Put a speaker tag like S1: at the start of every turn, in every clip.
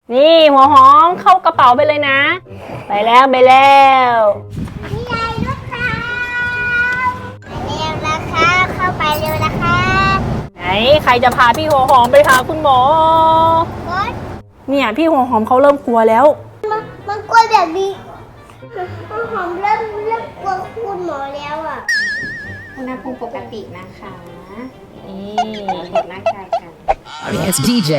S1: นี่หัวหอมเข้ากระเป๋าไปเลยนะไปแล้วนี่ไงลูกค้าไปเร็วนะคะเข้าไปเร็วนะคะไหนใครจะพาพี่หัวหอมไปหาคุณหมอเนี่ยพี่หัวหอมเขาเริ่มกลัวแล้ว
S2: มันกลัวแบบนี้หัวหอมเริ่มกลัวคุณหมอแล้วอ่ะ
S3: อุณหภูมิปกตินะคะ
S1: นี่
S3: ตรวจร่างกายกัน
S4: It's DJ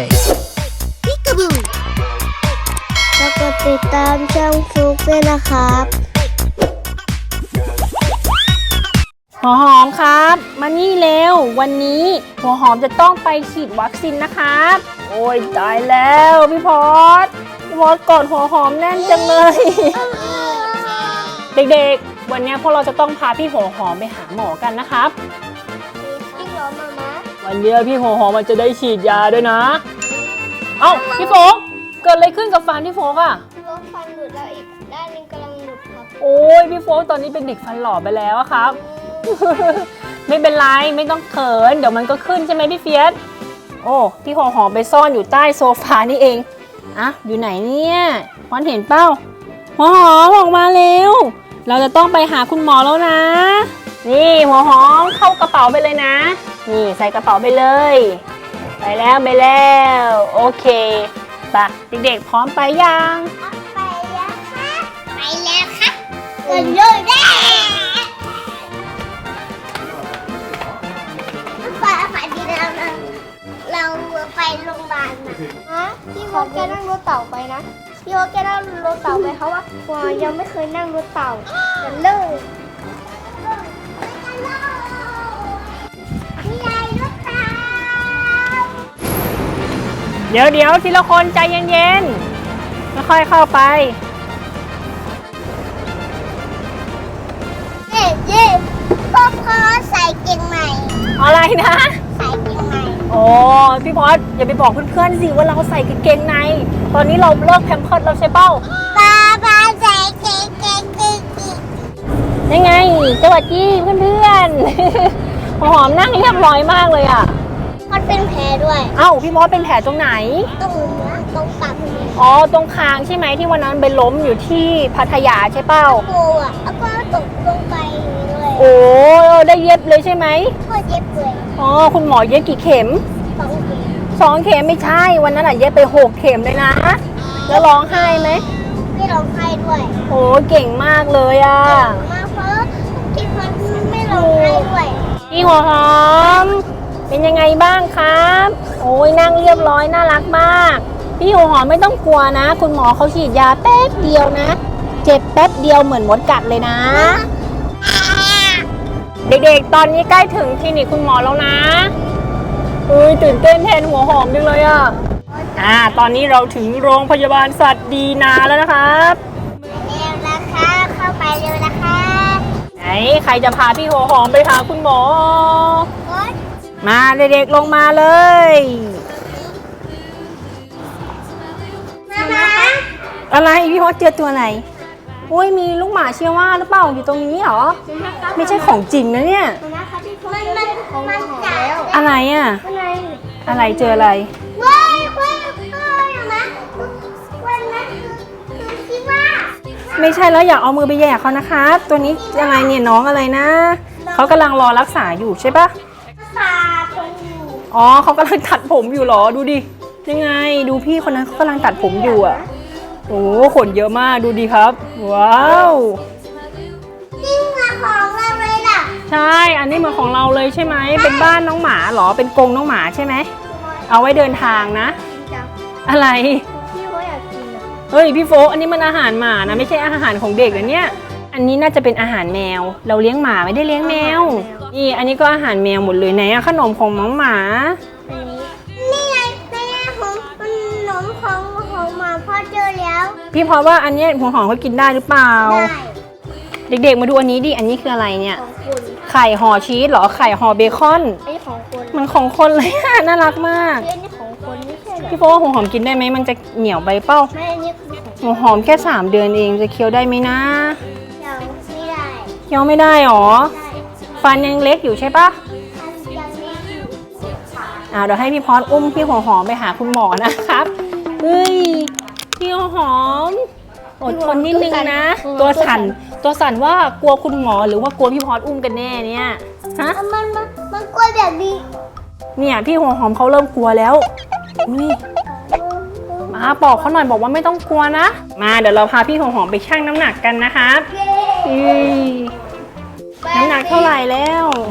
S2: แล้วก็ติดตามช่องฟลุ๊กด้วยนะครับ
S1: หัวหอมครับมานี่เร็ววันนี้หัวหอมจะต้องไปฉีดวัคซีนนะครับโอ้ยตายแล้วพี่พอดกอดหัวหอมแน่นจังเลย เด็กๆวันนี้พวกเราจะต้องพาพี่หัวหอมไปหาหมอกันนะครับ
S2: พี่หมอมามา
S1: วันนี้พี่หัวหอมมันจะได้ฉีดยาด้วยนะเอ้าพี่โฟกเกิดอะไรขึ้นกับฟันพี่โฟกอะ
S2: พี่โฟกฟันหลุดแล้วอีกด้านนึงกำลังหลุดครับ
S1: โอ้ยพี่โฟกตอนนี้เป็นเด็กฟันหล่อไปแล้วครับ ไม่เป็นไรไม่ต้องเขินเดี๋ยวมันก็ขึ้นใช่ไหมพี่เฟียสโอ้พี่หัวหอมไปซ่อนอยู่ใต้โซฟานี่เองอะอยู่ไหนเนี่ยพอนเห็นเป้าหัวหอมออกมาเร็วเราจะต้องไปหาคุณหมอแล้วนะนี่หัวหอมเข้ากระเป๋าไปเลยนะนี่ใส่กระเป๋าไปเลยไปแล้วโอเคไปเด็กๆพร้อมไปยัง
S2: ไปแล้วค่ะกันเลยได้ฝันดีนะเราไปโรงพยาบาลนะพี่โฟกแกนั่งรถเต่าไปนะพี่โฟกแกนั่งรถเต่าไปเขาว่ายังไม่เคยนั่งรถเต่ากันเลยนี่ไงรถเต่า
S1: เดี๋ยวทีละคนใจเย็นๆค่อยๆเข้าไป
S2: เย่พ่อใส่เกงใหม่
S1: อะไรนะ
S2: ใส่เกงใหม่
S1: โอ้พี่พอดอย่าไปบอกเพื่อนๆสิว่าเราใส่กางเกงในตอนนี้เราเลิกแพมเพิร์สแล้วใช่เป้า
S2: ป้าใส่เกง
S1: ยังไงสวัสดีเพื่อนๆหัวหอมนั่งเรียบร้อยมากเลยอ่ะ
S2: มันเป็นแผลด้วย
S1: เอ้าพี่มอสเป็นแผลตรงไหน
S2: ตรงปาก
S1: อ๋อตรงคางใช่ไหมที่วันนั้นไปล้มอยู่ที่พัทยาใช่เป้า
S2: โอ้อ่ะแล้วก็ตกลงไปเลย
S1: โอ้ได้เย็บเลยใช่ไหม
S2: พ่อเย็บเลย
S1: อ๋อคุณหมอเย็บกี่เข็ม2 เข็มไม่ใช่วันนั้นอ่ะเย็บไป6 เข็มเลยนะแล้วร้องไห้ไหม
S2: ไม่ร้องไห้ด้วย
S1: โอ้เก่งมากเลยอ่ะ
S2: มากเพราะที่มันไม่ร้องไห้ด้วย
S1: พี่หัวหอมเป็นยังไงบ้างครับโอ้ยนั่งเรียบร้อยน่ารักมากพี่หัวหอมไม่ต้องกลัวนะคุณหมอเขาฉีดยาแป๊บเดียวนะเจ็บแป๊บเดียวเหมือนมดกัดเลยนะเด็กๆตอนนี้ใกล้ถึงคลินิกคุณหมอแล้วนะตื่นเต้นแทนหัวหอมจังเลยตอนนี้เราถึงโรงพยาบาลสัตว์ดีนาแล้วนะครับ
S2: เร็วนะคะเข้าไปเร็วนะคะ
S1: ไหนใครจะพาพี่หัวหอมไปหาคุณหมอมาเด็กๆลงมาเลย
S2: มา
S1: อะไรพี่พอเจอตัวไหนโอ้ยมีลูกหมาเชียว่าหรือเปล่าอยู่ตรงนี้เหรอไม่ใช่ของจริงนะเนี่ย
S2: มันจับ
S1: อะไรอะไรเจออะไร
S2: ว้ายนะวันนั้นคือคิดว่า
S1: ไม่ใช่แล้วอย่าเอามือไปแย่เขานะคะตัวนี้อะไรเนี่ยน้องอะไรนะเขากำลังรอรักษาอยู่ใช่ปะอ๋อเขากำลังตัดผมอยู่หรอดูดิยังไงดูพี่คนนั้นเขากำลังตัดผมอยู่อ่ะโอ้ขนเยอะมากดูดิครับว้าว
S2: นี่มันของเราเลยล่ะ
S1: ใช่อันนี้เหมือนของเราเลยใช่ไหมเป็นบ้านน้องหมาหรอเป็นกรงน้องหมาใช่ไหมเอาไว้เดินทางนะอะไร
S2: พี่โฟอยากกิน
S1: เฮ้ยพี่โฟอันนี้มันอาหารหมานะไม่ใช่อาหารของเด็กนะเนี่ยอันนี้น่าจะเป็นอาหารแมวเราเลี้ยงหมาไม่ได้เลี้ยงแมวนี่อันนี้ก็อาหารแมวหมดเลยไหนขนมของน้องหมา
S2: นี่ไงขนมของหมาพ่อเจอแล้ว
S1: พี่พอว่าอันนี้หัวหอมเขากินได้หรือเปล่าเด็กๆมาดูอันนี้ดิอันนี้คืออะไรเนี่ยไข่ห่อชีสเหรอไข่ห่อเบคอนมันของคนเลยน่ารักมากพี่พอว่าหัวหอมกินได้ไหมมันจะเหนียวไปเป้าหัวหอมแค่3 เดือนเองจะเคี้ยวได้ไหมนะเคี้ยวไม่ได้หรอฟันยังเล็กอยู่ใช่ปะเดี๋ยวให้พี่พอดอุ้มพี่หัวหอมไปหาคุณหมอนะครับเฮ้ยอดทนนิดนึงนะ ตัวสั่นว่ากลัวคุณหมอหรือว่ากลัวพี่พอดอุ้มกันแน่เนี่ยฮะ
S2: มันกลัวแบบนี้
S1: เนี่ยพี่หัวหอมเขาเริ่มกลัวแล้วอุ้ยมาบอกเขาหน่อยบอกว่าไม่ต้องกลัวนะมาเดี๋ยวเราพาพี่หัวหอมไปชั่งน้ำหนักกันนะครับน้ำหนักเท่าไหร่แล้ว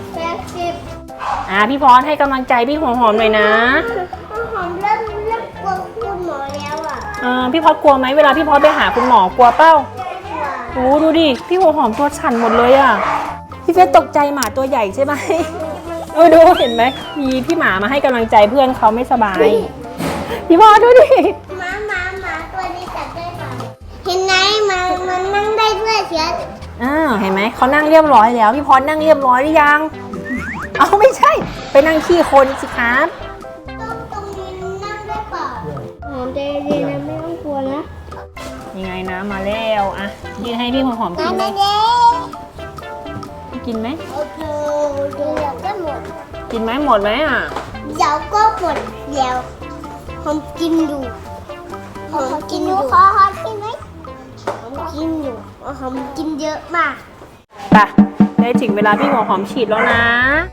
S2: 80
S1: พี่พอดให้กำลังใจพี่หัวหอมหน่อยนะ
S2: หอมเริ่มกลัวคุณหมอแล้วอ่ะ
S1: พี่พอดกลัวไหมเวลาพี่พอดไปหาคุณหมอกลัวเป้าโอ้ดูดิพี่หัวหอมตัวสั่นหมดเลยอ่ะพี่เฟสตกใจหมาตัวใหญ่ใช่ไหมดูเห็นไหมมีพี่หมามาให้กำลังใจเพื่อนเขาไม่สบายพี่พอดดูดิ
S2: หมาตัวนี้จับได้เปล่าเห็นไหมมันนั่งได้ด้วยเชีย
S1: เห็นไหมเขานั่งเรียบร้อยแล้วพี่พอดนั่งเรียบร้อยหรือยังเอาไม่ใช่ไปนั่งขี้คนสิครับ
S2: ตรงนี้นั่งได้เปล่าหอมใจเย็นนะไม่ต้องกลัวนะ
S1: ยังไงนะมาแล้วอ่ะกินให้พี่หัวหอมกินไหม
S2: เย้
S1: กินไหม
S2: โอเคเดี๋ยวก็หมด
S1: กินไหมหมดไหมอ่ะ
S2: เดี๋ยวก็หมดเดี๋ยวผมกินดูผมกินดูขอกินไหมผมกินอยู่ผมกินเยอะมาก
S1: ไปได้ถึงเวลาพี่หัวหอมฉีดแล้วนะ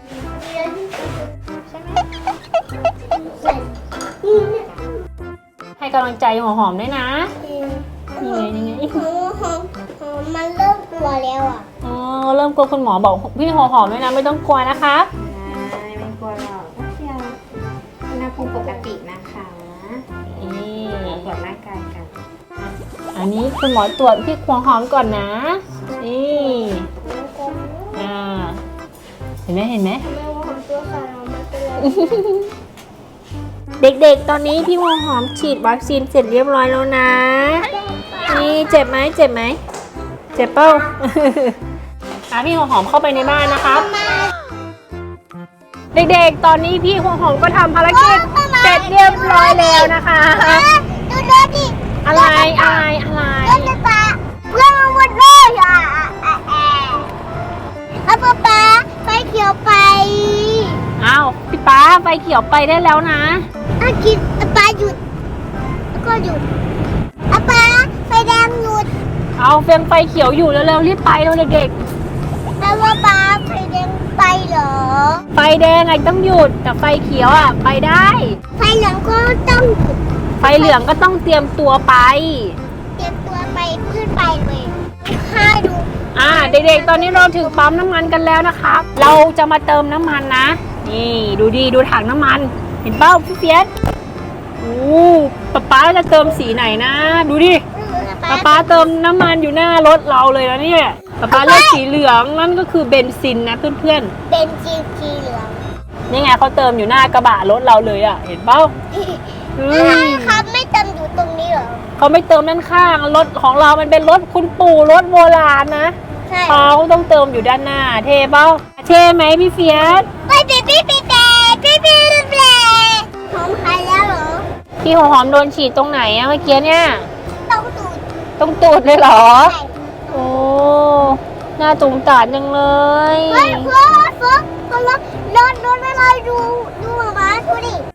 S1: ให้กำลังใจหัวหอมด้วยนะนี่ไง
S2: มันเริ่มกลัวแล้วอ่ะ
S1: อ๋อเริ่มกลัวคุณหมอบอกพี่หัวหอมด้วยนะไม่ต้องกลัวนะคะ
S3: ไม่กลัวหรอกก็เพียงอุณหภูมิปกตินะคะ
S1: นี่
S3: ตรวจร่างกายกัน
S1: อันนี้คุณหมอตรวจพี่หัวหอมก่อนนะนี่เห็นไหม
S2: ไม่ว่าผมตัวสั่นมันเป็นไร
S1: เด็กๆตอนนี้พี่หัวหอมฉีดวัคซีนเสร็จเรียบร้อยแล้วนะนี่เจ็บไหมเจ็บเปล่า พี่หัวหอมเข้าไปในบ้านนะครับเด็กๆตอนนี้พี่หัวหอมก็ทำภารกิจเสร็จเรียบร้อยแล้วนะคะ
S2: ดูดิ
S1: อะไร
S2: เพื่อนปลาเพื่อนมาหมดเลยอ่ะเอาป๊าไฟเขียวไป
S1: อ้าวพี่ป๊าไฟเขียวไปได้แล้วนะ
S2: กินป๊าหยุดแล้วก็หยุดป๊าไฟแดงหยุด
S1: เอาเฟรมไฟเขียวอยู่แล้วเร็วรีบไปเร็วเด็ก
S2: แล้วว่าป๊าไฟแดงไปเหรอ
S1: ๆไฟแดงไงต้องหยุดแต่ไฟเขียวอ่ะไปได้
S2: ไฟเหลืองก็ต้องหยุด
S1: ไฟเหลืองก็ต้องเตรียมตัวไป
S2: เตรียมตัวไปขึ้นไปเลยข้าดู
S1: เด็กๆ ตอนนี้เราถึงปั๊มน้ำมันกันแล้วนะครับ เราจะมาเติมน้ำมันนะ นี่ดูถังน้ำมัน เห็นเป้าพี่เฟียสโอ้ป๊าจะเติมสีไหนนะ ดูดิป๊าเติมน้ำมันอยู่หน้ารถเราเลยนะเนี่ยป๊าเลือกสีเหลืองนั่นก็คือเบนซินนะเพื่อน
S2: เป็นสีเหลือง
S1: ๆ นี่ไงเขาเติมอยู่หน้ากระบะรถเราเลยอ่ะ เห็นเป้า
S2: ครับไม่เติมอยู่ตรงนี้เหรอ
S1: เขาไม่เติมด้านข้างรถของเรามันเป็นรถคุณปู่รถโบราณนะ
S2: ใช่
S1: เขาต้องเติมอยู่ด้านหน้า เท่เป้าเท่ไหมพี่เฟียส
S2: ไปหอมใครแล้วเหรอ
S1: พี่หัวหอมโดนฉีดตรงไหนอะเมื่อกี้เนี่ย
S2: ต้องดูด
S1: ตรงตูดเลยเหรอ
S2: ใส่
S1: โอ้หน้าตุ่มตาดจังเลย
S2: เฮ้ยเพื่อนรถอะไรดูหมาดูดิ